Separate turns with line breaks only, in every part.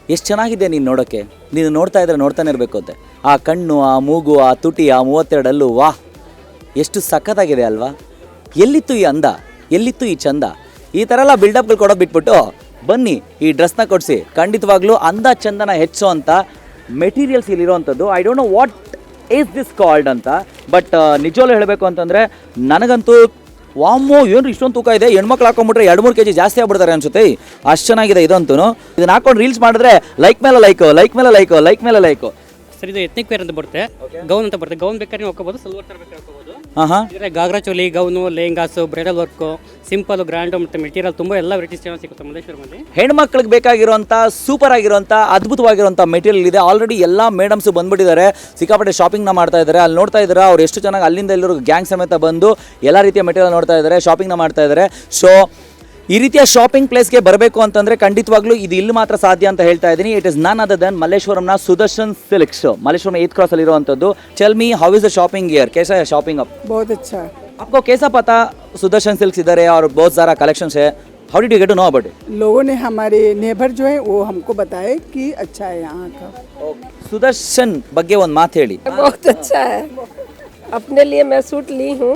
ಎಷ್ಟು ಚೆನ್ನಾಗಿದೆ ನೀನು ನೋಡೋಕ್ಕೆ. ನೀನು ನೋಡ್ತಾ ಇದ್ರೆ ನೋಡ್ತಾನೆ ಇರಬೇಕು ಅಂತೆ. ಆ ಕಣ್ಣು, ಆ ಮೂಗು, ಆ ತುಟಿ, ಆ 32 ಹಲ್ಲು, ವಾಹ್ ಎಷ್ಟು ಸಖತ್ತಾಗಿದೆ ಅಲ್ವಾ. ಎಲ್ಲಿತ್ತು ಈ ಅಂದ, ಎಲ್ಲಿತ್ತು ಈ ಚಂದ. ಈ ಥರ ಎಲ್ಲ ಬಿಲ್ಡಪ್ಗಳು ಕೊಡೋದು ಬಿಟ್ಬಿಟ್ಟು ಬನ್ನಿ ಈ ಡ್ರೆಸ್ನ ಕೊಡಿಸಿ. ಖಂಡಿತವಾಗ್ಲೂ ಅಂದ ಚಂದನ ಹೆಚ್ಚೋ ಅಂತ ಮೆಟೀರಿಯಲ್ಸ್ ಇಲ್ಲಿರೋವಂಥದ್ದು. I don't know what is this called ಅಂತ, ಬಟ್ ನಿಜವಾಗ್ಲೂ ಹೇಳಬೇಕು ಅಂತಂದರೆ ನನಗಂತೂ ವಾಮೋ ಏನು ಇಷ್ಟೊಂದು ತೂಕ ಇದೆ, ಹೆಣ್ಮಕ್ಳು ಹಾಕೊಂಡ್ಬಿಟ್ರೆ 2-3 kg ಜಾಸ್ತಿ ಆಗ್ಬಿಡ್ತಾರೆ ಅನ್ಸುತ್ತೆ. ಅಷ್ಟು ಚೆನ್ನಾಗಿದೆ ಇದಂತೂ. ಇದನ್ನ ಹಾಕೊಂಡು ರೀಲ್ಸ್ ಮಾಡಿದ್ರೆ ಲೈಕ್ ಮೇಲೆ ಲೈಕು, ಲೈಕ್ ಮೇಲೆ ಲೈಕು, ಲೈಕ್ ಮೇಲೆ ಲೈಕು.
ಸರ್ ಇದು ಎತ್ನಿಕ್ ವೇರ್ ಅಂತ ಬರುತ್ತೆ, ಗೌನ್ ಅಂತ ಬರುತ್ತೆ. ಗೌನ್ ಬೇಕಾದ್ರೆ ನೀವು ಹಾಕೋಬಹುದು, ಸಲ್ವಾರ್ ತರ ಬೇಕಾದ್ರೆ ಹಾಕೋಬಹುದು. ಇದ್ರೆ ghagra choli, gown, lehengas, bridal work, simple, grand ಮತ್ತು ಮೆಟೀರಿಯಲ್ ತುಂಬ ಎಲ್ಲ ವೆರೈಟೀಸ್ ಚೆನ್ನಾಗಿ ಸಿಗುತ್ತೆ ಮಲ್ಲೇಶ್ವರಮಲ್ಲಿ.
ಹೆಣ್ಮಕ್ಳಿಗೆ ಬೇಕಾಗಿರುವಂಥ ಸೂಪರ್ ಆಗಿರುವಂಥ ಅದ್ಭುತವಾಗಿರುವಂಥ ಮೆಟೀರಿಯಲ್ ಇದೆ. ಆಲ್ರೆಡಿ ಎಲ್ಲ ಮೇಡಮ್ಸ್ ಬಂದ್ಬಿಟ್ಟಿದ್ದಾರೆ, ಸಿಕ್ಕಾಪಟ್ಟೆ ಶಾಪಿಂಗ್ನ ಮಾಡ್ತಾ ಇದ್ದಾರೆ. ಅಲ್ಲಿ ನೋಡ್ತಾ ಇದ್ದಾರೆ ಅವ್ರು ಎಷ್ಟು ಚೆನ್ನಾಗಿ ಅಲ್ಲಿಂದ ಎಲ್ಲರೂ ಗ್ಯಾಂಗ್ ಸಮೇತ ಬಂದು ಎಲ್ಲ ರೀತಿಯ ಮೆಟೀರಿಯಲ್ ನೋಡ್ತಾ ಇದ್ದಾರೆ, ಶಾಪಿಂಗ್ನ ಮಾಡ್ತಾ ಇದ್ದಾರೆ. ಸೊ ಈ ರೀತಿಯ ಶಾಪಿಂಗ್ ಪ್ಲೇಸ್ಗೆ ಬರಬೇಕು ಅಂತಂದರೆ ಖಂಡಿತವಾಗ್ಲೂ ಇದು ಇಲ್ಲಿ ಮಾತ್ರ ಸಾಧ್ಯ ಅಂತ ಹೇಳ್ತಾ ಇದ್ದೀನಿ. It is none other than ಮಲ್ಲೇಶ್ವರಂನ Sudarshan silks, Malleshwaram 8th cross ಅಲ್ಲಿರುವಂಥದ್ದು. Tell me how is the shopping here? कैसा है शॉपिंग अब?
बहुत अच्छा है.
आपको कैसा पता सुदर्शन सिल्क्स इधर है और बहुत सारा कलेक्शंस है? How did you get to know about it?
लोगों ने, हमारे नेबर जो है वो हमको बताए कि अच्छा है यहाँ का.
सुदर्शन ಬಗ್ಗೆ ಒಂದು ಮಾತು ಹೇಳಿ.
बहुत अच्छा है, अपने लिए मैं सूट ली हूँ.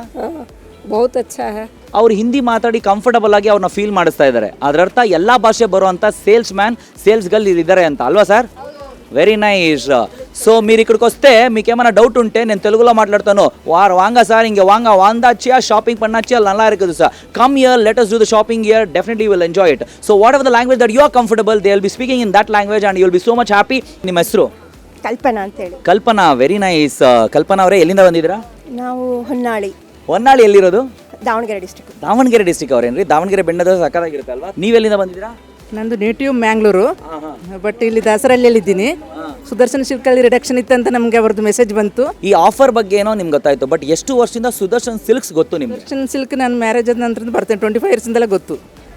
बहुत अच्छा है.
ಅವ್ರು ಹಿಂದಿ ಮಾತಾಡಿ ಕಂಫರ್ಟಬಲ್ ಆಗಿ ಅವ್ರನ್ನ ಫೀಲ್ ಮಾಡಿಸ್ತಾ ಇದ್ದಾರೆ. ಅದರ ಅರ್ಥ ಎಲ್ಲ ಭಾಷೆ ಬರುವಂಥ సేల్స్ మ్యాన్, సేల్స్ గర్ల్ ఇద్దరే అంత అల్వా సార్? Very nice. సో మీరు ఇక్కడికి వస్తే మీకు ఏమైనా డౌట్ ఉంటే నేను తెలుగులో మాట్లాడతాను. వాంగా సార్ ఇంక వాంగా వాందాచ్చియా షాపింగ్ பண்ணாச்சியா நல்லா இருக்குது sir. Come here, let us do the shopping here, definitely you will enjoy it. So whatever the language that you are comfortable, they will be speaking in that language and you will be so much happy. ನಿಮ್ಮ ಹೆಸರು?
ಕಲ್ಪನಾ ಅಂತ ಹೇಳಿ.
ಕಲ್ಪನಾ, very nice. ಕಲ್ಪನಾ ಅವರೇ ಎಲ್ಲಿಂದ ಬಂದಿದ್ದೀರಾ?
ನಾವು ಹೊನ್ನಾಳಿ.
ಹೊನ್ನಾಳಿ ಎಲ್ಲಿರೋದು?
Davanagere district.
Davanagere district ಅವರೇನ್ರಿ? ದಾವಣಗೆರೆ ಬೆಣ್ಣದ ಸಕ್ಕತ್ತಾಗಿರುತ್ತೆ ಅಲ್ವಾ? ನೀವೆಲ್ಲಿಂದ ಬಂದಿದ್ದೀರಾ?
ನಂದು ನೇಟಿವ್ ಮ್ಯಾಂಗ್ಳೂರು, ಬಟ್ ಇಲ್ಲಿ ದಾಸರಳ್ಳಿಯಲ್ಲಿ ಇದ್ದೀನಿ. ಸುದರ್ಶನ್ ಸಿಲ್ಕಲ್ಲಿ ರಿಡಕ್ಷನ್ ಇತ್ತಂತ ನಮಗೆ ಅವ್ರದ್ದು ಮೆಸೇಜ್ ಬಂತು.
ಈ ಆಫರ್ ಬಗ್ಗೆ ಏನೋ ನಿಮ್ಗೆ ಗೊತ್ತಾಯ್ತು, ಬಟ್ ಎಷ್ಟು ವರ್ಷದಿಂದ ಸುದರ್ಶನ್ ಸಿಲ್ಕ್ಸ್ ಗೊತ್ತು ನಿಮ್ಗೆ?
ಸುದರ್ಶನ್ ಸಿಲ್ಕ್ ನಾನು ಮ್ಯಾರೇಜ್ ಆದ ನಂತರ ಬರ್ತೇನೆ, 25 ಇಯರ್ಸಿಂದಲೇ ಗೊತ್ತು.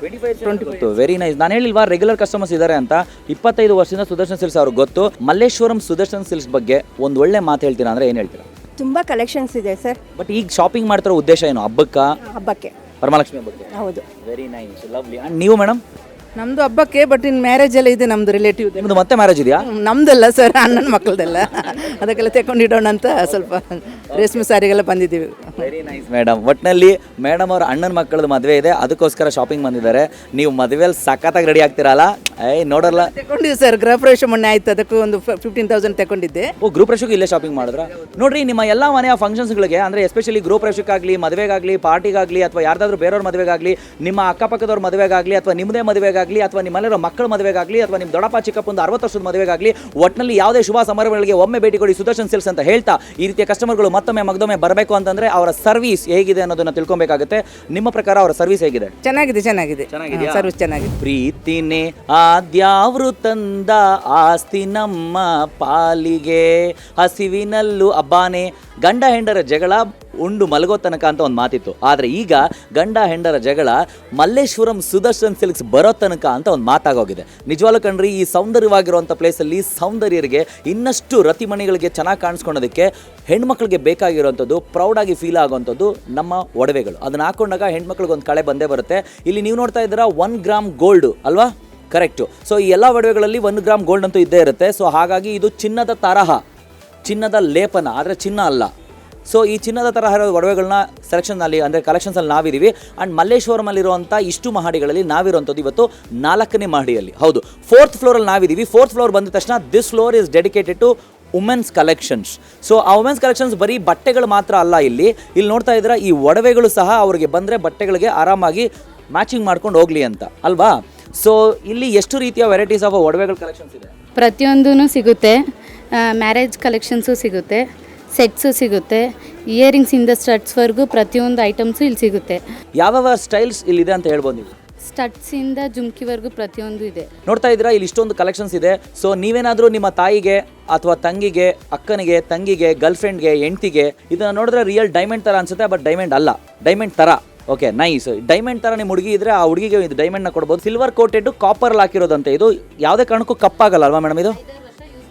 25 ವೆರಿ ನೈಸ್. ನಾನು ಹೇಳಿಲ್ವಾ ರೆಗ್ಯುಲರ್ ಕಸ್ಟಮರ್ಸ್ ಇದ್ದಾರೆ ಅಂತ. 25 ವರ್ಷದಿಂದ ಸುದರ್ಶನ್ ಸಿಲ್ಕ್ಸ್ ಅವ್ರಿಗೆ ಗೊತ್ತು. ಮಲ್ಲೇಶ್ವರಂ ಸುದರ್ಶನ್ ಸಿಲ್ಕ್ಸ್ ಬಗ್ಗೆ ಒಂದು ಒಳ್ಳೆ ಮಾತು ಹೇಳ್ತೀರಾ ಅಂದ್ರೆ ಏನು ಹೇಳ್ತೀರಾ?
ತುಂಬ ಕಲೆಕ್ಷನ್ಸ್ ಇದೆ ಸರ್.
ಬಟ್ ಈಗ ಶಾಪಿಂಗ್ ಮಾಡ್ತಿರೋ ಉದ್ದೇಶ ಏನು?
ಹಬ್ಬಕ್ಕೆ,
ವರಮಹಾಲಕ್ಷ್ಮಿ ಹಬ್ಬಕ್ಕೆ?
ಹೌದು.
Very nice, lovely. ಅಂಡ್ ನೀವು ಮೇಡಮ್?
ನಮ್ದು ಹಬ್ಬಕ್ಕೆ, ಬಟ್ ಇನ್ ಮ್ಯಾರೇಜ್ ಎಲ್ಲ ಇದೆ ನಮ್ದು ರಿಲೇಟಿವ್.
ನಿಮ್ದು ಮತ್ತೆ ಮ್ಯಾರೇಜ್ ಇದೆಯಾ?
ನಮ್ದಲ್ಲ ಸರ್, ಅಣ್ಣನ ಮಕ್ಕಳದೆಲ್ಲ. ಅದಕ್ಕೆಲ್ಲ ತೆಕೊಂಡಿಡೋಣ ಅಂತ ಸ್ವಲ್ಪ ರೇಷ್ಮೆ ಸಾರಿಗೆಲ್ಲ ಬಂದಿದ್ದೀವಿ.
Very nice madam. ಒಟ್ಟಿನಲ್ಲಿ ಮೇಡಮ್ ಅವ್ರ ಅಣ್ಣನ ಮಕ್ಕಳದ ಮದುವೆ ಇದೆ, ಅದಕ್ಕೋಸ್ಕರ ಶಾಪಿಂಗ್ ಬಂದಿದ್ದಾರೆ. ನೀವು ಮದುವೆಯಲ್ಲಿ ಸಖತ್ತಾಗಿ ರೆಡಿ ಆಗ್ತೀರಲ್ಲ? ನೋಡಲ್ಲ
ತಗೊಂಡಿದ್ದೆ ಸರ್, ಗೃಹ ಪ್ರವೇಶ ಮೊನ್ನೆ ಆಯ್ತು, ಅದಕ್ಕೂ ಒಂದು 15,000 ತಗೊಂಡಿದ್ದೆ.
ಓ, ಗೃಹ ಪ್ರವೇಶಕ್ಕೆ ಇಲ್ಲೇ ಶಾಪಿಂಗ್ ಮಾಡಿದ್ರ? ನೋಡ್ರಿ, ನಿಮ್ಮ ಎಲ್ಲ ಮನೆಯ ಫಂಕ್ಷನ್ಸ್ಗಳಿಗೆ ಅಂದರೆ ಎಸ್ಪೆಷಲಿ ಗೃಹ ಪ್ರವೇಶಕ್ಕಾಗಲಿ, ಮದುವೆಗಾಗಲಿ, ಪಾರ್ಟಿಗಾಗಲಿ, ಅಥವಾ ಯಾರ್ದಾದ್ರೂ ಬೇರೆಯವ್ರ ಮದುವೆಗಾಗಲಿ, ನಿಮ್ಮ ಅಕ್ಕಪಕ್ಕದವ್ರ ಮದುವೆಗಾಗಲಿ, ಅಥವಾ ನಿಮ್ಮದೇ ಮದುವೆಗಾಗಲಿ, ಅಥವಾ ನಿಮ್ಮಲ್ಲಿರೋ ಮಕ್ಕಳ ಮದುವೆಗಾಗಲಿ, ಅಥವಾ ನಿಮ್ಮ ದೊಡ್ಡಪ್ಪ ಚಿಕ್ಕಪ್ಪಂದು 60 ವರ್ಷದ ಮದುವೆಗಾಗಲಿ, ಒಟ್ಟಿನಲ್ಲಿ ಯಾವುದೇ ಶುಭ ಸಮಾರಂಭಗಳಿಗೆ ಒಮ್ಮೆ ಭೇಟಿ ಕೊಡಿ ಸುದರ್ಶನ್ ಸಿಲ್ಕ್ಸ್ ಅಂತ ಹೇಳ್ತಾ, ಈ ರೀತಿಯ ಕಸ್ಟಮರ್ಗಳು ಮತ್ತೊಮ್ಮೆ ಮಗದೊಮ್ಮೆ ಬರಬೇಕು ಅಂತಂದ್ರೆ ಅವರ ಸರ್ವಿಸ್ ಹೇಗಿದೆ ಅನ್ನೋದನ್ನ ತಿಳ್ಕೊಬೇಕಾಗುತ್ತೆ. ನಿಮ್ಮ ಪ್ರಕಾರ ಅವರ ಸರ್ವಿಸ್ ಹೇಗಿದೆ?
ಚೆನ್ನಾಗಿದೆ, ಸರ್ವಿಸ್ ಚೆನ್ನಾಗಿದೆ.
ಪ್ರೀತಿನೇ ಆದ್ಯಾವ್ರು ತಂದ ಆಸ್ತಿ ನಮ್ಮ ಪಾಲಿಗೆ, ಹಸಿವಿನಲ್ಲೂ ಅಬ್ಬಾನೆ, ಗಂಡ ಹೆಂಡರ ಜಗಳ ಉಂಡು ಮಲಗೋ ತನಕ ಅಂತ ಒಂದು ಮಾತಿತ್ತು. ಆದರೆ ಈಗ ಗಂಡ ಹೆಂಡರ ಜಗಳ ಮಲ್ಲೇಶ್ವರಂ ಸುದರ್ಶನ್ ಸಿಲ್ಕ್ಸ್ ಬರೋ ತನಕ ಅಂತ ಒಂದು ಮಾತಾಗೋಗಿದೆ. ನಿಜವಾಗ್ಲೂ ಕಣ್ರಿ, ಈ ಸೌಂದರ್ಯವಾಗಿರುವಂಥ ಪ್ಲೇಸಲ್ಲಿ ಸೌಂದರ್ಯರಿಗೆ ಇನ್ನಷ್ಟು ರತಿಮಣಿಗಳಿಗೆ ಚೆನ್ನಾಗಿ ಕಾಣಿಸ್ಕೊಳ್ಳೋದಕ್ಕೆ ಹೆಣ್ಮಕ್ಳಿಗೆ ಬೇಕಾಗಿರುವಂಥದ್ದು, ಪ್ರೌಡಾಗಿ ಫೀಲ್ ಆಗುವಂಥದ್ದು ನಮ್ಮ ಒಡವೆಗಳು. ಅದನ್ನ ಹಾಕೊಂಡಾಗ ಹೆಣ್ಮಕ್ಳಿಗೆ ಒಂದು ಕಳೆ ಬಂದೇ ಬರುತ್ತೆ. ಇಲ್ಲಿ ನೀವು ನೋಡ್ತಾ ಇದ್ದೀರಾ 1 ಗ್ರಾಮ್ ಗೋಲ್ಡು ಅಲ್ವಾ? ಕರೆಕ್ಟು. ಸೊ ಈ ಎಲ್ಲ ಒಡವೆಗಳಲ್ಲಿ 1 ಗ್ರಾಮ್ ಗೋಲ್ಡ್ ಅಂತೂ ಇದ್ದೇ ಇರುತ್ತೆ. ಸೊ ಹಾಗಾಗಿ ಇದು ಚಿನ್ನದ ತರಹ, ಚಿನ್ನದ ಲೇಪನ, ಆದರೆ ಚಿನ್ನ ಅಲ್ಲ. ಸೊ ಈ ಚಿನ್ನದ ತರಹ ಒಡವೆಗಳನ್ನ ಸೆಲೆಕ್ಷನ್ನಲ್ಲಿ ಅಂದರೆ ಕಲೆಕ್ಷನ್ಸಲ್ಲಿ ನಾವಿದ್ದೀವಿ. ಆ್ಯಂಡ್ ಮಲ್ಲೇಶ್ವರಮಲ್ಲಿರುವಂಥ ಇಷ್ಟು ಮಹಡಿಗಳಲ್ಲಿ ನಾವಿರುವಂಥದ್ದು ಇವತ್ತು 4ನೇ ಮಹಡಿಯಲ್ಲಿ. ಹೌದು, 4th ಫ್ಲೋರಲ್ಲಿ ನಾವಿದ್ದೀವಿ. 4th ಫ್ಲೋರ್ ಬಂದ ತಕ್ಷಣ this floor is dedicated to women's collections. So ಆ ವುಮೆನ್ಸ್ ಕಲೆಕ್ಷನ್ಸ್ ಬರೀ ಬಟ್ಟೆಗಳು ಮಾತ್ರ ಅಲ್ಲ, ಇಲ್ಲಿ ನೋಡ್ತಾ ಇದ್ದೀರಾ ಈ ಒಡವೆಗಳು ಸಹ ಅವ್ರಿಗೆ ಬಂದರೆ ಬಟ್ಟೆಗಳಿಗೆ ಆರಾಮಾಗಿ ಮ್ಯಾಚಿಂಗ್ ಮಾಡ್ಕೊಂಡು ಹೋಗಲಿ ಅಂತ ಅಲ್ವಾ? ಸೊ ಇಲ್ಲಿ ಎಷ್ಟು ರೀತಿಯ ವೆರೈಟೀಸ್ ಆಫ್ ಒಡವೆಗಳ ಕಲೆಕ್ಷನ್ಸ್ ಇದೆ?
ಪ್ರತಿಯೊಂದೂ ಸಿಗುತ್ತೆ. ಮ್ಯಾರೇಜ್ ಕಲೆಕ್ಷನ್ಸು ಸಿಗುತ್ತೆ, ಸೆಟ್ಸು ಸಿಗುತ್ತೆ, ಇಯರಿಂಗ್ಸಿಂದ ಸ್ಟಡ್ಸ್ವರೆಗೂ ಪ್ರತಿಯೊಂದು ಐಟಮ್ಸು ಇಲ್ಲಿ ಸಿಗುತ್ತೆ.
ಯಾವ ಸ್ಟೈಲ್ಸ್ ಇಲ್ಲಿದೆ ಅಂತ ಹೇಳ್ಬೋದು ನೀವು?
ಸ್ಟಡ್ಸಿಂದ ಜುಮ್ಕಿವರೆಗೂ ಪ್ರತಿಯೊಂದು ಇದೆ.
ನೋಡ್ತಾ ಇದ್ದೀರಾ ಇಲ್ಲಿ ಇಷ್ಟೊಂದು ಕಲೆಕ್ಷನ್ಸ್ ಇದೆ. ಸೊ ನೀವೇನಾದರೂ ನಿಮ್ಮ ತಾಯಿಗೆ ಅಥವಾ ತಂಗಿಗೆ, ಅಕ್ಕನಿಗೆ, ತಂಗಿಗೆ, ಗರ್ಲ್ ಫ್ರೆಂಡ್ಗೆ, ಹೆಂಡ್ತಿಗೆ ಇದನ್ನು ನೋಡಿದ್ರೆ ರಿಯಲ್ ಡೈಮಂಡ್ ಥರ ಅನ್ಸುತ್ತೆ, ಬಟ್ ಡೈಮಂಡ್ ಅಲ್ಲ, ಡೈಮಂಡ್ ಥರ. Okay, nice. ಡೈಮಂಡ್ ಥರ ನಿಮ್ಮ ಹುಡುಗಿ ಇದ್ರೆ ಆ ಹುಡುಗಿಗೆ ಇದು ಡೈಮಂಡ್ನ ಕೊಡ್ಬೋದು. ಸಿಲ್ವರ್ ಕೋಟೆಡ್ ಕಾಪರಲ್ಲಿ ಹಾಕಿರೋದಂತೆ. ಇದು ಯಾವುದೇ ಕಾರಣಕ್ಕೂ ಕಪ್ಪಾಗಲ್ಲ ಅಲ್ವಾ ಮೇಡಮ್? ಇದು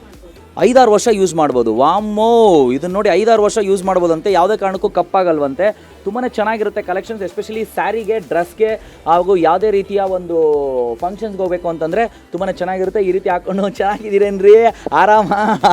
5-6 ವರ್ಷ ಯೂಸ್ ಮಾಡ್ಬೋದು. ವಾಮ್ಮೋ, ಇದನ್ನ ನೋಡಿ 5-6 ವರ್ಷ ಯೂಸ್ ಮಾಡ್ಬೋದಂತೆ, ಯಾವುದೇ ಕಾರಣಕ್ಕೂ ಕಪ್ಪಾಗಲ್ವಂತೆ. ತುಂಬಾ ಚೆನ್ನಾಗಿರುತ್ತೆ ಕಲೆಕ್ಷನ್ಸ್, ಎಸ್ಪೆಷಲಿ ಸ್ಯಾರಿಗೆ, ಡ್ರೆಸ್ಗೆ ಹಾಗೂ ಯಾವುದೇ ರೀತಿಯ ಒಂದು ಫಂಕ್ಷನ್ಸ್ಗೆ ಹೋಗಬೇಕು ಅಂತಂದರೆ ತುಂಬಾ ಚೆನ್ನಾಗಿರುತ್ತೆ. ಈ ರೀತಿ ಹಾಕ್ಕೊಂಡು ಚೆನ್ನಾಗಿದ್ದೀರೇನ್ರಿ ಆರಾಮ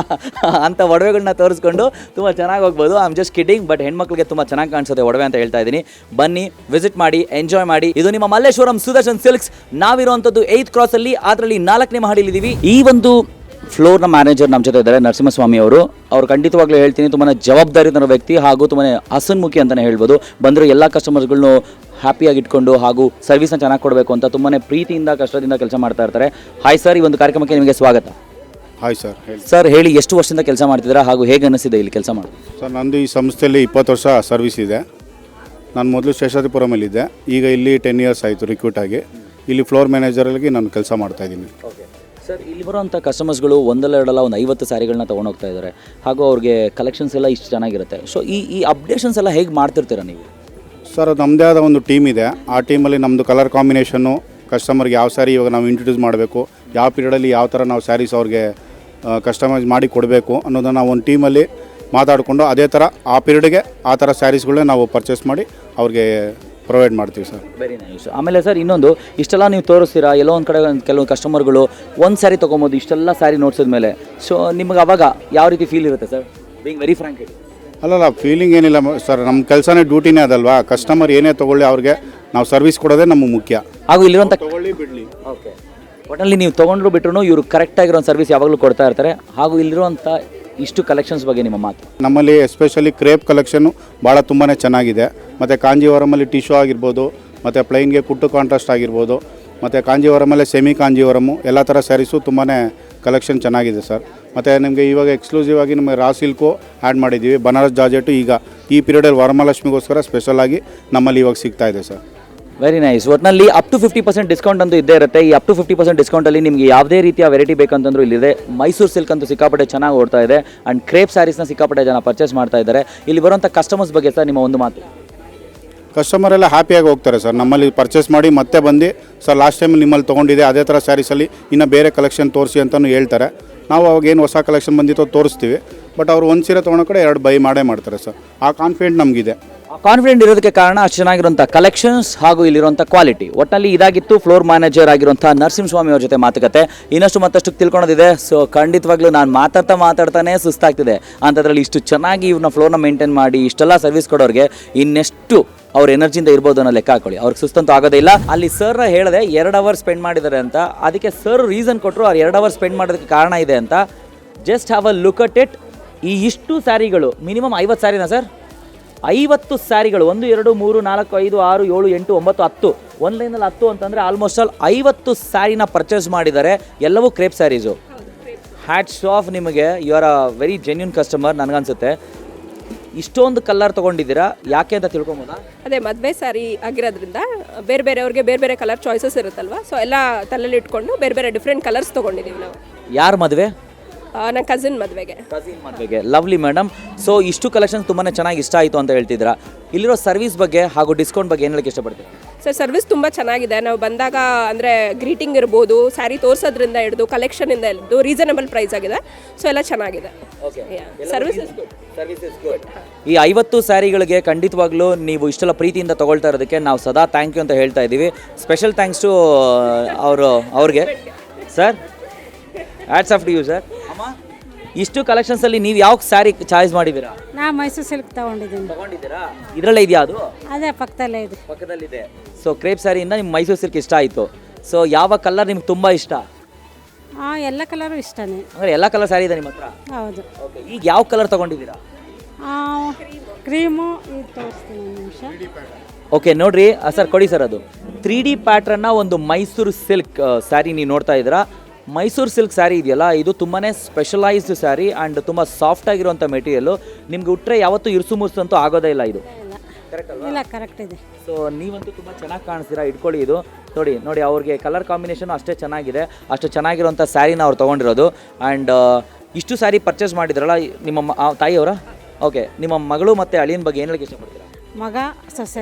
ಅಂತ ಒಡವೆಗಳನ್ನ ತೋರಿಸ್ಕೊಂಡು ತುಂಬ ಚೆನ್ನಾಗಿ ಹೋಗ್ಬೋದು. I am just kidding, but ಹೆಣ್ಮಕ್ಳಿಗೆ ತುಂಬ ಚೆನ್ನಾಗಿ ಕಾಣಿಸುತ್ತೆ ಒಡವೆ ಅಂತ ಹೇಳ್ತಾ ಇದ್ದೀನಿ. ಬನ್ನಿ, ವಿಸಿಟ್ ಮಾಡಿ, ಎಂಜಾಯ್ ಮಾಡಿ. ಇದು ನಿಮ್ಮ ಮಲ್ಲೇಶ್ವರಂ ಸುದರ್ಶನ್ ಸಿಲ್ಕ್ಸ್. ನಾವಿರುವಂಥದ್ದು 8th ಕ್ರಾಸಲ್ಲಿ, ಅದರಲ್ಲಿ 4ನೇ ಮಹಡಿಲಿದ್ದೀವಿ. ಈ ಒಂದು ಫ್ಲೋರ್ನ ಮ್ಯಾನೇಜರ್ ನಮ್ಮ ಜೊತೆ ಇದ್ದಾರೆ, ನರಸಿಂಹಸ್ವಾಮಿ ಅವರು. ಅವ್ರು ಖಂಡಿತವಾಗ್ಲೂ ಹೇಳ್ತೀನಿ ತುಂಬಾ ಜವಾಬ್ದಾರಿತನ ವ್ಯಕ್ತಿ ಹಾಗೂ ತುಂಬಾ ಹಸನ್ಮುಖಿ ಅಂತಲೇ ಹೇಳ್ಬೋದು. ಬಂದರೂ ಎಲ್ಲ ಕಸ್ಟಮರ್ಸ್ಗಳನ್ನೂ ಹ್ಯಾಪಿಯಾಗಿ ಇಟ್ಕೊಂಡು ಹಾಗೂ ಸರ್ವಿಸ್ನ ಚೆನ್ನಾಗಿ ಕೊಡಬೇಕು ಅಂತ ತುಂಬಾ ಪ್ರೀತಿಯಿಂದ ಕಷ್ಟದಿಂದ ಕೆಲಸ ಮಾಡ್ತಾ ಇರ್ತಾರೆ. ಹಾಯ್ ಸರ್, ಈ ಒಂದು ಕಾರ್ಯಕ್ರಮಕ್ಕೆ ನಿಮಗೆ ಸ್ವಾಗತ.
Hi sir.
ಸರ್ ಹೇಳಿ, ಎಷ್ಟು ವರ್ಷದಿಂದ ಕೆಲಸ ಮಾಡ್ತಿದ್ದೀರಾ ಹಾಗೂ ಹೇಗೆ ಅನಿಸಿದೆ ಇಲ್ಲಿ ಕೆಲಸ ಮಾಡೋದು?
ಸರ್, ನಂದು ಈ ಸಂಸ್ಥೆಯಲ್ಲಿ 20 ವರ್ಷ ಸರ್ವಿಸ್ ಇದೆ. ನಾನು ಮೊದಲು ಶೇಷಾದ್ರಿಪುರಮಲ್ಲಿದ್ದೆ, ಈಗ ಇಲ್ಲಿ 10 ಇಯರ್ಸ್ ಆಯಿತು ರಿಕ್ರೂಟ್ ಆಗಿ. ಇಲ್ಲಿ ಫ್ಲೋರ್ ಮ್ಯಾನೇಜರಲ್ಲಿ ನಾನು ಕೆಲಸ ಮಾಡ್ತಾಯಿದ್ದೀನಿ.
ಓಕೆ ಸರ್, ಇಲ್ಲಿ ಬರೋಂಥ ಕಸ್ಟಮರ್ಸ್ಗಳು ಒಂದೆರಡಲ್ಲ ಒಂದು 50 ಸ್ಯಾರಿಗಳನ್ನ ತೊಗೊಂಡು ಹೋಗ್ತಾ ಇದ್ದಾರೆ ಹಾಗೂ ಅವ್ರಿಗೆ ಕಲೆಕ್ಷನ್ಸ್ ಎಲ್ಲ ಇಷ್ಟು ಚೆನ್ನಾಗಿರುತ್ತೆ. ಸೊ ಈ ಅಪ್ಡೇಷನ್ಸ್ ಎಲ್ಲ ಹೇಗೆ ಮಾಡ್ತಿರ್ತೀರಾ ನೀವು?
ಸರ್, ನಮ್ಮದೇ ಆದ ಒಂದು ಟೀಮ್ ಇದೆ. ಆ ಟೀಮಲ್ಲಿ ನಮ್ಮದು ಕಲರ್ ಕಾಂಬಿನೇಷನ್ನು, ಕಸ್ಟಮರ್ಗೆ ಯಾವ ಸ್ಯಾರಿ ಇವಾಗ ನಾವು ಇಂಟ್ರೊಡ್ಯೂಸ್ ಮಾಡಬೇಕು, ಯಾವ ಪೀರಿಯಡಲ್ಲಿ ಯಾವ ಥರ ನಾವು ಸ್ಯಾರೀಸ್ ಅವ್ರಿಗೆ ಕಸ್ಟಮೈಸ್ ಮಾಡಿ ಕೊಡಬೇಕು ಅನ್ನೋದನ್ನು ನಾವು ಒಂದು ಟೀಮಲ್ಲಿ ಮಾತಾಡಿಕೊಂಡು ಅದೇ ಥರ ಆ ಪೀರಿಯಡ್ಗೆ ಆ ಥರ ಸ್ಯಾರೀಸ್ಗಳನ್ನ ನಾವು ಪರ್ಚೇಸ್ ಮಾಡಿ ಅವ್ರಿಗೆ ಪ್ರೊವೈಡ್ ಮಾಡ್ತೀವಿ ಸರ್.
Very nice. ಆಮೇಲೆ ಸರ್ ಇನ್ನೊಂದು, ಇಷ್ಟೆಲ್ಲ ನೀವು ತೋರಿಸ್ತೀರಾ, ಎಲ್ಲೋ ಒಂದು ಕಡೆ ಕೆಲವು ಕಸ್ಟಮರ್ಗಳು ಒಂದು ಸ್ಯಾರಿ ತೊಗೊಬೋದು, ಇಷ್ಟೆಲ್ಲ ಸ್ಯಾರಿ ನೋಡ್ಸಿದ ಮೇಲೆ. ಸೊ ನಿಮ್ಗೆ ಅವಾಗ ಯಾವ ರೀತಿ ಫೀಲ್ ಇರುತ್ತೆ ಸರ್, ಬೀಯಿಂಗ್ ವೆರಿ ಫ್ರ್ಯಾಂಕ್?
ಅಲ್ಲಲ್ಲ, ಫೀಲಿಂಗ್ ಏನಿಲ್ಲ ಸರ್, ನಮ್ಮ ಕೆಲಸನೇ ಡ್ಯೂಟಿನೇ ಅದಲ್ವಾ. ಕಸ್ಟಮರ್ ಏನೇ ತೊಗೊಳ್ಳಿ ಅವ್ರಿಗೆ ನಾವು ಸರ್ವಿಸ್ ಕೊಡೋದೇ ನಮಗೆ ಮುಖ್ಯ.
ಹಾಗೂ ಇಲ್ಲಿರುವಂಥ
ತೊಗೊಳ್ಳಿ ಬಿಡಲಿ,
ಓಕೆ, ಒಟ್ಟಲ್ಲಿ ನೀವು ತೊಗೊಂಡ್ರು ಬಿಟ್ಟರು ಇವರು ಕರೆಕ್ಟಾಗಿರೋ ಸರ್ವಿಸ್ ಯಾವಾಗಲೂ ಕೊಡ್ತಾ ಇರ್ತಾರೆ. ಹಾಗೂ ಇಲ್ಲಿರುವಂಥ ಇಷ್ಟು ಕಲೆಕ್ಷನ್ಸ್ ಬಗ್ಗೆ ನಿಮ್ಮ ಮಾತು?
ನಮ್ಮಲ್ಲಿ ಎಸ್ಪೆಷಲಿ ಕ್ರೇಪ್ ಕಲೆಕ್ಷನ್ನು ಭಾಳ ತುಂಬಾ ಚೆನ್ನಾಗಿದೆ. ಮತ್ತು ಕಾಂಜೀವರಮಲ್ಲಿ ಟಿಶ್ಯೂ ಆಗಿರ್ಬೋದು, ಮತ್ತು ಪ್ಲೈನ್ಗೆ ಕುಟ್ಟು ಕಾಂಟ್ರಾಸ್ಟ್ ಆಗಿರ್ಬೋದು, ಮತ್ತು ಕಾಂಜೀವರಮಲ್ಲೇ ಸೆಮಿ ಕಾಂಜೀವರಮು, ಎಲ್ಲ ಥರ ಸ್ಯಾರೀಸು ತುಂಬಾ ಕಲೆಕ್ಷನ್ ಚೆನ್ನಾಗಿದೆ ಸರ್. ಮತ್ತು ನಿಮಗೆ ಇವಾಗ ಎಕ್ಸ್ಕ್ಲೂಸಿವ್ ಆಗಿ ನಮಗೆ ರಾ ಸಿಲ್ಕು ಆ್ಯಡ್ ಮಾಡಿದ್ದೀವಿ. ಬನಾರಸ್ ಜಾರ್ಜೆಟು ಈಗ ಈ ಪೀರಿಯಡಲ್ಲಿ ವರಮಹಾಲಕ್ಷ್ಮಿಗೋಸ್ಕರ ಸ್ಪೆಷಲಾಗಿ ನಮ್ಮಲ್ಲಿ ಇವಾಗ ಸಿಗ್ತಾ ಇದೆ ಸರ್.
Very nice. ಒಟ್ಟಿನಲ್ಲಿ ಅಪ್ ಟು 50% ಡಿಸ್ಕೌಂಟ್ ಅಂತೂ ಇದ್ದೇ ಇರುತ್ತೆ. ಈ ಅಪ್ ಟು 50% ಡಿಸ್ಕೌಂಟಲ್ಲಿ ನಿಮಗೆ ಯಾವುದೇ ರೀತಿಯ ವೆರೈಟಿ ಬೇಕಂತಂದ್ರೂ ಇಲ್ಲಿದೆ. ಮೈಸೂರು ಸಿಲ್ಕ್ ಅಂತೂ ಸಿಕ್ಕಾಪಟ್ಟೆ ಚೆನ್ನಾಗಿ ಓಡ್ತಾ ಇದೆ ಆ್ಯಂಡ್ ಕ್ರೇಪ್ ಸ್ಯಾರೀಸ್ನ ಸಿಕ್ಕಾಪಟ್ಟೆ ಜನ ಪರ್ಚೇಸ್ ಮಾಡ್ತಾ ಇದ್ದಾರೆ. ಇಲ್ಲಿ ಬರುವಂಥ ಕಸ್ಟಮರ್ಸ್ ಬಗ್ಗೆ ಸರ್ ನಿಮ್ಮ ಒಂದು ಮಾತು?
ಕಸ್ಟಮರ್ ಎಲ್ಲ ಹ್ಯಾಪಿಯಾಗಿ ಹೋಗ್ತಾರೆ ಸರ್. ನಮ್ಮಲ್ಲಿ ಪರ್ಚೇಸ್ ಮಾಡಿ ಮತ್ತೆ ಬಂದು ಸರ್ ಲಾಸ್ಟ್ ಟೈಮ್ ನಿಮ್ಮಲ್ಲಿ ತೊಗೊಂಡಿದೆ ಅದೇ ಥರ ಸ್ಯಾರೀಸಲ್ಲಿ ಇನ್ನು ಬೇರೆ ಕಲೆಕ್ಷನ್ ತೋರಿಸಿ ಅಂತಲೂ ಹೇಳ್ತಾರೆ. ನಾವು ಅವಾಗ ಏನು ಹೊಸ ಕಲೆಕ್ಷನ್ ಬಂದಿತ್ತೋ ತೋರಿಸ್ತೀವಿ. ಬಟ್ ಅವರು ಒಂದು ಸೀರೆ ತೊಗೊಳೋ ಕಡೆ 2 ಬೈ ಮಾಡೇ ಮಾಡ್ತಾರೆ ಸರ್. ಆ ಕಾನ್ಫಿಡೆಂಟ್ ನಮಗಿದೆ.
ಕಾನ್ಫಿಡೆಂಟ್ ಇರೋದಕ್ಕೆ ಕಾರಣ ಅಷ್ಟು ಚೆನ್ನಾಗಿರುವಂಥ ಕಲೆಕ್ಷನ್ಸ್ ಹಾಗೂ ಇಲ್ಲಿರುವಂಥ ಕ್ವಾಲಿಟಿ. ಒಟ್ಟಲ್ಲಿ ಇದಾಗಿತ್ತು ಫ್ಲೋರ್ ಮ್ಯಾನೇಜರ್ ಆಗಿರುವಂಥ ನರಸಿಂಹಸ್ವಾಮಿ ಅವ್ರ ಜೊತೆ ಮಾತುಕತೆ. ಇನ್ನಷ್ಟು ಮತ್ತಷ್ಟು ತಿಳ್ಕೊಳೋದಿದೆ. ಸೊ ಖಂಡಿತವಾಗ್ಲೂ ನಾನು ಮಾತಾಡ್ತಾನೆ ಸುಸ್ತಾಗ್ತಿದೆ ಅಂಥದ್ರಲ್ಲಿ ಇಷ್ಟು ಚೆನ್ನಾಗಿ ಇವ್ರನ್ನ ಫ್ಲೋರ್ನ ಮೇಂಟೈನ್ ಮಾಡಿ ಇಷ್ಟೆಲ್ಲ ಸರ್ವಿಸ್ ಕೊಡೋರಿಗೆ ಇನ್ನೆಷ್ಟು ಅವ್ರ ಎನರ್ಜಿಯಿಂದ ಇರ್ಬೋದು ಅನ್ನೋ ಲೆಕ್ಕ ಹಾಕೊಳ್ಳಿ. ಅವ್ರಿಗೆ ಸುಸ್ತಂತೂ ಆಗೋದೇ ಇಲ್ಲ. ಅಲ್ಲಿ ಸರ್ ಹೇಳಿದೆ 2 ಅವರ್ ಸ್ಪೆಂಡ್ ಮಾಡಿದ್ದಾರೆ ಅಂತ. ಅದಕ್ಕೆ ಸರ್ ರೀಸನ್ ಕೊಟ್ಟರು, ಅವ್ರು 2 ಅವರ್ ಸ್ಪೆಂಡ್ ಮಾಡೋದಕ್ಕೆ ಕಾರಣ ಇದೆ ಅಂತ. Just have a look at it. ಈ ಇಷ್ಟು ಸ್ಯಾರಿಗಳು ಮಿನಿಮಮ್ 50 ಸ್ಯಾರಿನಾ ಸರ್? 50 ಸ್ಯಾರಿಗಳು, 1 2 3 4 5 6 7 8 9 10, ಒಂದು ಲೈನಲ್ಲಿ 10 ಅಂತಂದರೆ ಆಲ್ಮೋಸ್ಟ್ ಆಲ್ 50 ಸ್ಯಾರಿನ ಪರ್ಚೇಸ್ ಮಾಡಿದ್ದಾರೆ. ಎಲ್ಲವೂ ಕ್ರೇಪ್ ಸ್ಯಾರೀಸು. ಹ್ಯಾಟ್ಸ್ ಆಫ್ ನಿಮಗೆ, you are a very genuine customer ನನಗನ್ಸುತ್ತೆ. ಇಷ್ಟೊಂದು ಕಲರ್ ತೊಗೊಂಡಿದ್ದೀರಾ, ಯಾಕೆ ಅಂತ ತಿಳ್ಕೊಬೋದಾ?
ಅದೇ ಮದುವೆ ಸ್ಯಾರಿ ಆಗಿರೋದ್ರಿಂದ ಬೇರೆ ಬೇರೆಯವ್ರಿಗೆ ಬೇರೆ ಬೇರೆ ಕಲರ್ ಚಾಯ್ಸಸ್ ಇರುತ್ತಲ್ವ. ಸೊ ಎಲ್ಲ ತಲೆಯಲ್ಲಿ ಇಟ್ಕೊಂಡು ಬೇರೆ ಬೇರೆ ಡಿಫ್ರೆಂಟ್ ಕಲರ್ಸ್ ತೊಗೊಂಡಿದ್ದೀವಿ ನಾವು.
ಯಾರ ಮದುವೆ?
ನನ್ನ ಕಸಿನ್ ಮದುವೆಗೆ.
Lovely madam. ಸೊ ಇಷ್ಟು ಕಲೆಕ್ಷನ್ಸ್ ತುಂಬಾ ಚೆನ್ನಾಗಿ ಇಷ್ಟ ಆಯಿತು ಅಂತ ಹೇಳ್ತಿದ್ದೀರಾ. ಇಲ್ಲಿರೋ ಸರ್ವಿಸ್ ಬಗ್ಗೆ ಹಾಗೂ ಡಿಸ್ಕೌಂಟ್ ಬಗ್ಗೆ ಏನು ಹೇಳಕ್ಕೆ ಇಷ್ಟಪಡ್ತೀರಾ?
ಸರ್, ಸರ್ವಿಸ್ ತುಂಬ ಚೆನ್ನಾಗಿದೆ. ನಾವು ಬಂದಾಗ ಅಂದರೆ ಗ್ರೀಟಿಂಗ್ ಇರ್ಬೋದು, ಸ್ಯಾರಿ ತೋರಿಸೋದ್ರಿಂದ ಹಿಡಿದು ಕಲೆಕ್ಷನಿಂದ ಹಿಡಿದು ರೀಸನಬಲ್ ಪ್ರೈಸ್ ಆಗಿದೆ. ಸೊ ಎಲ್ಲ ಚೆನ್ನಾಗಿದೆ. Service is good.
ಈ 50 ಸ್ಯಾರಿಗಳಿಗೆ ಖಂಡಿತವಾಗ್ಲೂ ನೀವು ಇಷ್ಟೆಲ್ಲ ಪ್ರೀತಿಯಿಂದ ತೊಗೊಳ್ತಾ ಇರೋದಕ್ಕೆ ನಾವು ಸದಾ ಥ್ಯಾಂಕ್ ಯು ಅಂತ ಹೇಳ್ತಾ ಇದ್ದೀವಿ. ಸ್ಪೆಷಲ್ ಥ್ಯಾಂಕ್ಸ್ ಟು ಅವ್ರಿಗೆ sir. Hats off to you sir. ಅಮ್ಮ, ಇಷ್ಟು ಕಲೆಕ್ಷನ್ಸಲ್ಲಿ ನೀವು ಯಾವ ಸ್ಯಾರಿ ಚಾಯ್ಸ್ ಮಾಡಿದ್ದೀರಾ?
ನಾ ಮೈಸೂರು ಸಿಲ್ಕ್
ತಗೊಂಡಿದ್ದೀರಾ? ಇದರಲ್ಲೇ ಇದೆಯಾ ಅದು?
ಅದೇ ಪಕ್ಕದಲ್ಲೇ ಇದೆ.
ಪಕ್ಕದಲ್ಲಿದೆ. ಸೊ ಕ್ರೇಪ್ ಸ್ಯಾರಿಯಿಂದ ನಿಮ್ಮ ಮೈಸೂರು ಸಿಲ್ಕ್ ಇಷ್ಟ ಆಯಿತು. ಸೊ ಯಾವ ಕಲರ್ ನಿಮ್ಗೆ ತುಂಬ ಇಷ್ಟ?
ಎಲ್ಲ ಕಲರು ಇಷ್ಟನೇ.
ಅಂದರೆ ಎಲ್ಲ ಕಲರ್ ಸ್ಯಾರಿ ಇದೆ ನಿಮ್ಮ ಹತ್ರ?
ಹೌದು.
ಓಕೆ, ಈಗ ಯಾವ ಕಲರ್ ತೊಗೊಂಡಿದ್ದೀರಾ?
ಕ್ರೀಮು ಇದು ತೋರಿಸ್ತೀನಿ ಒಂದು ನಿಮಿಷ.
ಓಕೆ ನೋಡ್ರಿ ಸರ್, ಕೊಡಿ ಸರ್. ಅದು 3D ಪ್ಯಾಟ್ರನ್ನ ಒಂದು ಮೈಸೂರು ಸಿಲ್ಕ್ ಸ್ಯಾರಿ ನೀವು ನೋಡ್ತಾ ಇದ್ದೀರಾ. ಮೈಸೂರು ಸಿಲ್ಕ್ ಸ್ಯಾರಿ ಇದೆಯಲ್ಲ, ಇದು ತುಂಬಾ ಸ್ಪೆಷಲೈಸ್ಡ್ ಸ್ಯಾರಿ ಆ್ಯಂಡ್ ತುಂಬ ಸಾಫ್ಟ್ ಆಗಿರುವಂಥ ಮೆಟೀರಿಯಲ್ಲು. ನಿಮ್ಗೆ ಉಟ್ರೆ ಯಾವತ್ತೂ ಇರ್ಸು ಮುರ್ಸು ಅಂತೂ ಆಗೋದೇ ಇಲ್ಲ. ಇದು
ಇಲ್ಲ, ಕರೆಕ್ಟ್ ಇದೆ.
ಸೊ ನೀವಂತೂ ತುಂಬ ಚೆನ್ನಾಗಿ ಕಾಣಿಸ್ತೀರಾ. ಇಟ್ಕೊಳ್ಳಿ ಇದು ನೋಡಿ ಅವ್ರಿಗೆ ಕಲರ್ ಕಾಂಬಿನೇಷನು ಅಷ್ಟೇ ಚೆನ್ನಾಗಿದೆ. ಅಷ್ಟು ಚೆನ್ನಾಗಿರುವಂಥ ಸ್ಯಾರಿನ ಅವ್ರು ತೊಗೊಂಡಿರೋದು. ಆ್ಯಂಡ್ ಇಷ್ಟು ಸ್ಯಾರಿ ಪರ್ಚೇಸ್ ಮಾಡಿದ್ರಲ್ಲ ನಿಮ್ಮ ತಾಯಿಯವರ? ಓಕೆ, ನಿಮ್ಮ ಮಗಳು ಮತ್ತು ಅಳಿಯನ ಬಗ್ಗೆ ಏನು ಹೇಳಕ್ಕೆ ಇಷ್ಟಪಡ್ತೀರಾ?
ಮಗ ಸೊಸೆ.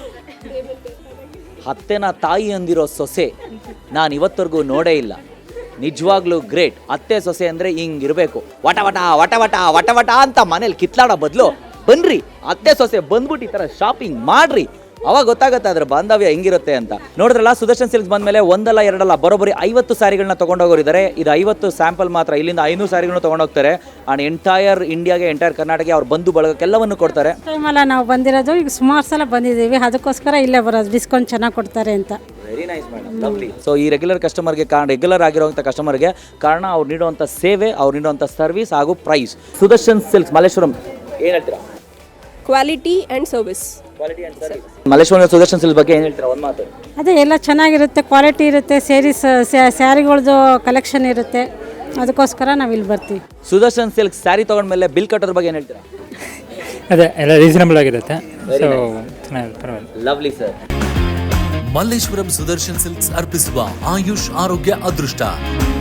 ಅತ್ತೆನ ತಾಯಿ ಅಂದಿರೋ ಸೊಸೆ ನಾನು ಇವತ್ತವರೆಗೂ ನೋಡೇ ಇಲ್ಲ. ನಿಜವಾಗ್ಲೂ ಗ್ರೇಟ್. ಅತ್ತೆ ಸೊಸೆ ಅಂದರೆ ಹಿಂಗಿರಬೇಕು. ವಟ ವಟ ವಟ ವಟ ವಟ ವಟ ಅಂತ ಮನೇಲಿ ಕಿತ್ಲಾಡೋ ಬದಲು ಬನ್ರಿ ಅತ್ತೆ ಸೊಸೆ ಬಂದ್ಬಿಟ್ಟು ಈ ಥರ ಶಾಪಿಂಗ್ ಮಾಡ್ರಿ, ಅವಾಗ ಗೊತ್ತಾಗುತ್ತೆ ಅದ್ರ ಬಾಂಧವ್ಯ ಹೆಂಗಿರುತ್ತೆ ಅಂತ. ನೋಡಿದ್ರಲ್ಲ, ಸುದರ್ಶನ್ ಸಿಲ್ಕ್ಸ್ ಬಂದಮೇಲೆ ಒಂದಲ್ಲ ಎರಡಲ್ಲ ಬರೋಬ್ಬರಿ 50 ಸ್ಯಾರಿಗಳನ್ನ ತೊಗೊಂಡೋಗೋರಿದ್ದಾರೆ. ಇದು 50 ಸ್ಯಾಂಪಲ್ ಮಾತ್ರ. ಇಲ್ಲಿಂದ 500 ಸ್ಯಾರಿಗಳನ್ನ ತೊಗೊಂಡೋಗ್ತಾರೆ. ಆ್ಯಂಡ್ ಎಂಟೈರ್ ಇಂಡಿಯಾಗೆ, ಎಂಟೈರ್ ಕರ್ನಾಟಕ ಅವ್ರ ಬಂಧು ಬಳಗಕ್ಕೆಲ್ಲವನ್ನು ಕೊಡ್ತಾರೆ.
ಟೈಮಲ್ಲ ನಾವು ಬಂದಿರೋದು, ಈಗ ಸುಮಾರು ಸಲ ಬಂದಿದ್ದೀವಿ, ಅದಕ್ಕೋಸ್ಕರ ಇಲ್ಲೇ ಬರೋದು, ಡಿಸ್ಕೌಂಟ್ ಚೆನ್ನಾಗಿ ಕೊಡ್ತಾರೆ ಅಂತ.
Very nice madam, lovely. So ಈ ರೆಗ್ಯುಲರ್ ಕಸ್ಟಮರ್ಗೆ ರೆಗ್ಯುಲರ್ ಆಗಿರುವಂಥ ಕಸ್ಟಮರ್ಗೆ ಕಾರಣ ಅವ್ರು ನೀಡುವಂಥ ಸೇವೆ, ಅವ್ರು ನೀಡುವಂಥ ಸರ್ವಿಸ್ ಹಾಗೂ ಪ್ರೈಸ್. ಸುದರ್ಶನ್ ಸಿಲ್ಕ್ಸ್ ಮಲ್ಲೇಶ್ವರಂ, ಏನು ಹೇಳ್ತೀರಾ?
Quality and service.
Malleshwaram Sudarshan silks ಬಗ್ಗೆ ಏನು ಹೇಳ್ತೀರಾ? ಒಂದು ಮಾತು.
ಅದೇ ಎಲ್ಲ ಚೆನ್ನಾಗಿರುತ್ತೆ, ಕ್ವಾಲಿಟಿ ಇರುತ್ತೆ, ಸ್ಯಾರಿಗಳದ್ದು ಕಲೆಕ್ಷನ್ ಇರುತ್ತೆ, ಅದಕ್ಕೋಸ್ಕರ ನಾವು ಇಲ್ಲಿ ಬರ್ತೀವಿ.
ಸುದರ್ಶನ್ ಸಿಲ್ಕ್ಸ್ ಸ್ಯಾರಿ ತೊಗೊಂಡ್ಮೇಲೆ ಬಿಲ್ ಕಟ್ಟೋದ್ರ ಬಗ್ಗೆ ಏನು ಹೇಳ್ತೀರಾ?
ಅದೇ ಎಲ್ಲ ರೀಸನಬಲ್ ಆಗಿರುತ್ತೆ. ಸೊ ಚೆನ್ನಾಗಿದೆ, ಪರವಾಗಿಲ್ಲ.
Lovely sir.
Malleshwaram Sudarshan silks ಅರ್ಪಿಸುವ ಆಯುಷ್ ಆರೋಗ್ಯ ಅದೃಷ್ಟ